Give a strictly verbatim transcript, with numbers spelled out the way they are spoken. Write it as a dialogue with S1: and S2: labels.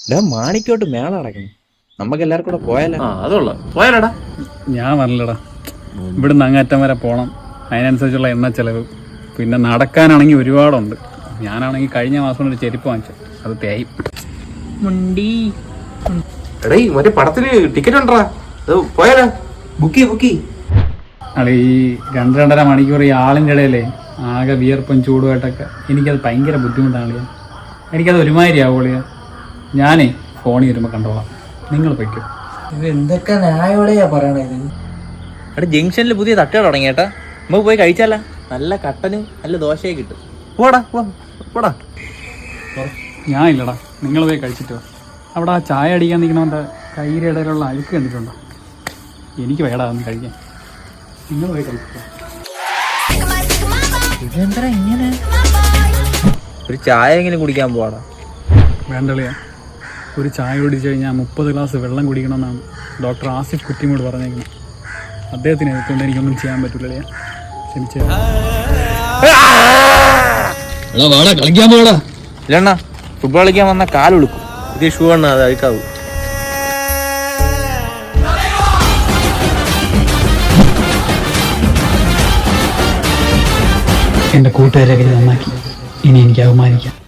S1: മാണിക്കോട്ട് മേള അടക്കണം. നമുക്ക് എല്ലാവർക്കും കൂടെ പോയാലോ?
S2: അതുള്ള പോയാലടാ.
S3: ഞാൻ പറഞ്ഞില്ലടാ, ഇവിടുന്ന് അങ്ങേറ്റം വരെ പോകണം. അതിനനുസരിച്ചുള്ള എണ്ണ ചെലവ്, പിന്നെ നടക്കാനാണെങ്കിൽ ഒരുപാടുണ്ട്. ഞാനാണെങ്കിൽ കഴിഞ്ഞ മാസം ഒരു ചെരുപ്പ് വാങ്ങിച്ചു, അത് തേയും.
S1: മുണ്ടി
S2: എടേ മറ്റേ പടത്തിന് ടിക്കറ്റ് ഉണ്ടോ? പോയാലോ?
S1: ബുക്ക് ബുക്ക്
S3: അളി ഈ രണ്ട് രണ്ടര മണിക്കൂർ ഈ ആളിൻ്റെ ഇടയിലേ ആകെ വിയർപ്പും ചൂടുമായിട്ടൊക്കെ എനിക്കത് ഭയങ്കര ബുദ്ധിമുട്ടാണ്. എനിക്കത് ഒരുമാതിരി ആവുള്ളിയ. ഞാനേ ഫോണിൽ വരുമ്പോൾ കണ്ടോളാം, നിങ്ങൾ പൊയ്ക്കോ.
S1: ഇത് എന്തൊക്കെ ന്യായോടെയാ പറയണത്? അവിടെ ജംഗ്ഷനിൽ പുതിയ തട്ടുകൾ തുടങ്ങിയേട്ടാ, നമുക്ക് പോയി കഴിച്ചാല. നല്ല കട്ടനും നല്ല ദോശയും കിട്ടും. പോടാ പോടാ.
S3: ഞാൻ ഇല്ലടാ, നിങ്ങൾ പോയി കഴിച്ചിട്ടോ. അവിടെ ആ ചായ അടിക്കാൻ നിൽക്കണവൻ്റെ കയ്യിലെ ഇടയിലുള്ള അഴുക്ക് കണ്ടിട്ടുണ്ടോ? എനിക്ക് വേടാ ഒന്ന് കഴിക്കാൻ. നിങ്ങൾ പോയി കഴിച്ചിട്ടോ.
S1: ഇതെന്താ ഇങ്ങനെ? ഒരു ചായ എങ്ങനെ കുടിക്കാൻ പോവാടാ?
S3: വേണ്ടളിയാ, ഒരു ചായ കുടിച്ചു കഴിഞ്ഞാൽ മുപ്പത് ഗ്ലാസ് വെള്ളം കുടിക്കണമെന്നാണ് ഡോക്ടർ ആസിഫ് കുറ്റിമോട് പറഞ്ഞേക്കുന്നത്. അദ്ദേഹത്തിന് എഴുത്തുകൊണ്ട് എനിക്കൊന്നും ചെയ്യാൻ പറ്റില്ലളിയാ, ക്ഷമിച്ചേ.
S1: കളിക്കാൻ പോടാ. ഇല്ലണ്ണ, ഫുട്ബോൾ കളിക്കാൻ വന്ന കാലൊടുക്കും. ഇത് ഷൂ അണ്ണ, അത് അഴുക്കാവൂ.
S3: എൻ്റെ കൂട്ടുകാരൊക്കെ നന്നാക്കി, ഇനി എനിക്ക് അവമാനിക്കാം.